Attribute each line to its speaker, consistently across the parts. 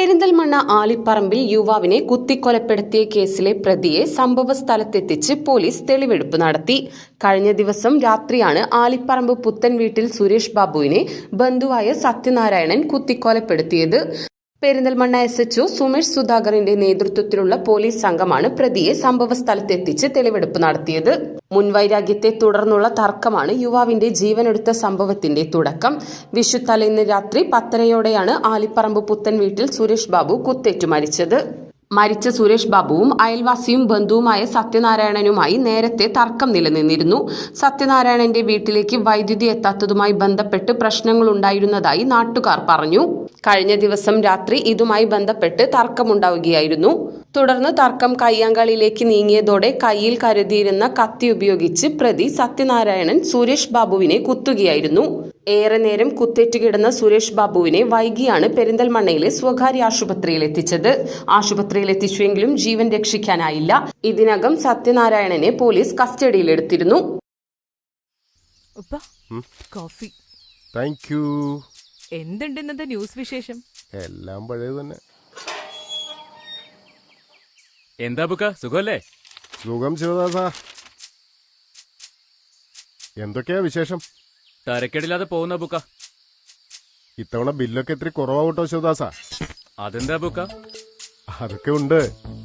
Speaker 1: പെരിന്തൽമണ്ണ ആലിപ്പറമ്പിൽ യുവാവിനെ കുത്തിക്കൊലപ്പെടുത്തിയ കേസിലെ പ്രതിയെ സംഭവ സ്ഥലത്തെത്തിച്ച് പോലീസ് തെളിവെടുപ്പ് നടത്തി. കഴിഞ്ഞ ദിവസം രാത്രിയാണ് ആലിപ്പറമ്പ് പുത്തൻ വീട്ടിൽ സുരേഷ് ബാബുവിനെ ബന്ധുവായ സത്യനാരായണൻ കുത്തിക്കൊലപ്പെടുത്തിയത്. പെരിന്തൽമണ്ണ SHO സുമേഷ് സുധാകറിന്റെ നേതൃത്വത്തിലുള്ള പോലീസ് സംഘമാണ് പ്രതിയെ സംഭവ സ്ഥലത്തെത്തിച്ച് തെളിവെടുപ്പ് നടത്തിയത്. മുൻവൈരാഗ്യത്തെ തുടർന്നുള്ള തർക്കമാണ് യുവാവിന്റെ ജീവനെടുത്ത സംഭവത്തിന്റെ തുടക്കം. വിഷുത്തലേന്ന് രാത്രി 10:30യോടെയാണ് ആലിപ്പറമ്പ് പുത്തൻ വീട്ടിൽ സുരേഷ് ബാബു കുത്തേറ്റു മരിച്ചത്. മരിച്ച സുരേഷ് ബാബുവും അയൽവാസിയും ബന്ധുവുമായ സത്യനാരായണനുമായി നേരത്തെ തർക്കം നിലനിന്നിരുന്നു. സത്യനാരായണന്റെ വീട്ടിലേക്ക് വൈദ്യുതി എത്താത്തതുമായി ബന്ധപ്പെട്ട് പ്രശ്നങ്ങളുണ്ടായിരുന്നതായി നാട്ടുകാർ പറഞ്ഞു. കഴിഞ്ഞ ദിവസം രാത്രി ഇതുമായി ബന്ധപ്പെട്ട് തർക്കമുണ്ടാവുകയായിരുന്നു. തുടർന്ന് തർക്കം കയ്യാങ്കളിയിലേക്ക് നീങ്ങിയതോടെ കയ്യിൽ കരുതിയിരുന്ന കത്തി ഉപയോഗിച്ച് പ്രതി സത്യനാരായണൻ സുരേഷ് ബാബുവിനെ കുത്തുകയായിരുന്നു. ഏറെ നേരം കുത്തേറ്റുകിടന്ന സുരേഷ് ബാബുവിനെ വൈകിയാണ് പെരിന്തൽമണ്ണയിലെ സ്വകാര്യ ആശുപത്രിയിൽ എത്തിച്ചത്. ആശുപത്രിയിൽ എത്തിച്ചുവെങ്കിലും ജീവൻ രക്ഷിക്കാനായില്ല. ഇതിനകം സത്യനാരായണനെ പോലീസ് കസ്റ്റഡിയിലെടുത്തിരുന്നു.
Speaker 2: എന്തുണ്ട് ന്യൂസ് വിശേഷം?
Speaker 3: എല്ലാം പഴയത് തന്നെ.
Speaker 4: എന്താ ബുക്ക, സുഖല്ലേ?
Speaker 3: സുഖം ശിവദാസ. എന്തൊക്കെയാ വിശേഷം?
Speaker 4: തരക്കേടില്ലാതെ പോകുന്ന ബുക്ക.
Speaker 3: ഇത്തവണ ബില്ലൊക്കെ ഇത്തിരി കുറവാവട്ടോ ശിവദാസ.
Speaker 4: അതെന്താ ബുക്ക?
Speaker 3: അതൊക്കെ ഉണ്ട്.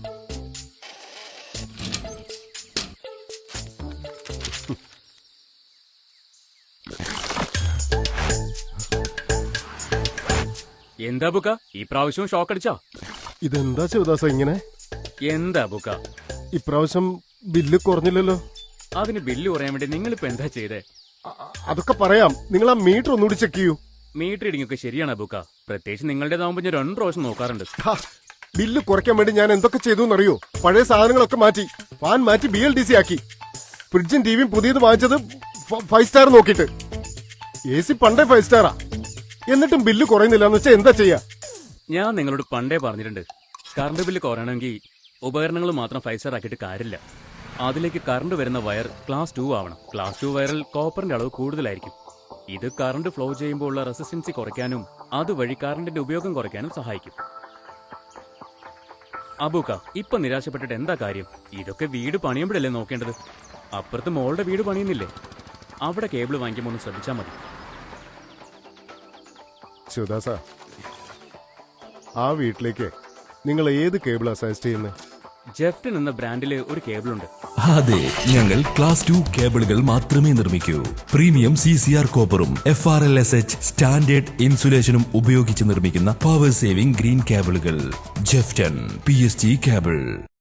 Speaker 4: എന്താ ബുക്ക, ഈ പ്രാവശ്യവും ഷോക്ക് അടിച്ചോ?
Speaker 3: ഇതെന്താ ശിവദാസ ഇങ്ങനെ?
Speaker 4: എന്താ ബുക്ക,
Speaker 3: ഇപ്രാവശ്യം ബില്ല് കുറഞ്ഞില്ലല്ലോ.
Speaker 4: അതിന് ബില്ല് കുറയാൻ വേണ്ടി നിങ്ങളിപ്പോ എന്താ ചെയ്തേ?
Speaker 3: അതൊക്കെ പറയാം. നിങ്ങൾ ആ മീറ്റർ ഒന്നുകൂടി ചെക്ക് ചെയ്യൂ.
Speaker 4: മീറ്റർ റീഡിംഗ് ഒക്കെ ശരിയാണ് ബുക്ക. പ്രത്യേകിച്ച് നിങ്ങളുടേതാവുമ്പോ ഞാൻ 2 പ്രാവശ്യം നോക്കാറുണ്ട്.
Speaker 3: ബില്ല് കുറയ്ക്കാൻ വേണ്ടി ഞാൻ എന്തൊക്കെ ചെയ്തു എന്നറിയോ? പഴയ സാധനങ്ങളൊക്കെ മാറ്റി, ഫാൻ മാറ്റി BLDC ആക്കി, ഫ്രിഡ്ജും ടിവിയും പുതിയത് വാങ്ങിച്ചത് 5 സ്റ്റാർ നോക്കിയിട്ട്. AC പണ്ടേ 5 സ്റ്റാറാ. എന്നിട്ടും ബില്ല് കുറയുന്നില്ല എന്ന് വെച്ചാൽ എന്താ ചെയ്യാ?
Speaker 4: ഞാൻ നിങ്ങളോട് പണ്ടേ പറഞ്ഞിട്ടുണ്ട്, കറണ്ട് ബില്ല് കുറയണമെങ്കിൽ ഉപകരണങ്ങൾ മാത്രം 5 സ്റ്റാർ ആക്കിയിട്ട് കാര്യമില്ല. അതിലേക്ക് കറണ്ട് വരുന്ന വയർ ക്ലാസ് 2 ആവണം. ക്ലാസ് 2 വയറിൽ കോപ്പറിന്റെ അളവ് കൂടുതലായിരിക്കും. ഇത് കറണ്ട് ഫ്ലോ ചെയ്യുമ്പോൾ ഉള്ള റെസിസ്റ്റൻസി കുറയ്ക്കാനും അതുവഴി കറണ്ടിന്റെ ഉപയോഗം കുറയ്ക്കാനും സഹായിക്കും. അബൂക്ക, ഇപ്പൊ നിരാശപ്പെട്ടിട്ട് എന്താ കാര്യം? ഇതൊക്കെ വീട് പണിയുമ്പോഴല്ലേ നോക്കേണ്ടത്. അപ്പുറത്ത് മോളുടെ വീട് പണിയുന്നില്ലേ? അവിടെ കേബിൾ വാങ്ങിക്കുമ്പോൾ ഒന്ന് ശ്രദ്ധിച്ചാൽ മതി.
Speaker 3: ശിവദാസ, ആ വീട്ടിലേക്ക് നിങ്ങൾ ഏത് കേബിളാ സജസ്റ്റ് ചെയ്യുന്നത്?
Speaker 4: ജെഫ്റ്റൻ എന്ന ബ്രാൻഡില് ഒരു കേബിൾ ഉണ്ട്.
Speaker 5: അതെ, ഞങ്ങൾ ക്ലാസ് 2 കേബിളുകൾ മാത്രമേ നിർമ്മിക്കൂ. പ്രീമിയം CCR കോപ്പറും FRLSH സ്റ്റാൻഡേർഡ് ഇൻസുലേഷനും ഉപയോഗിച്ച് നിർമ്മിക്കുന്ന പവർ സേവിംഗ് ഗ്രീൻ കേബിളുകൾ. ജെഫ്റ്റൻ PSG കേബിൾ.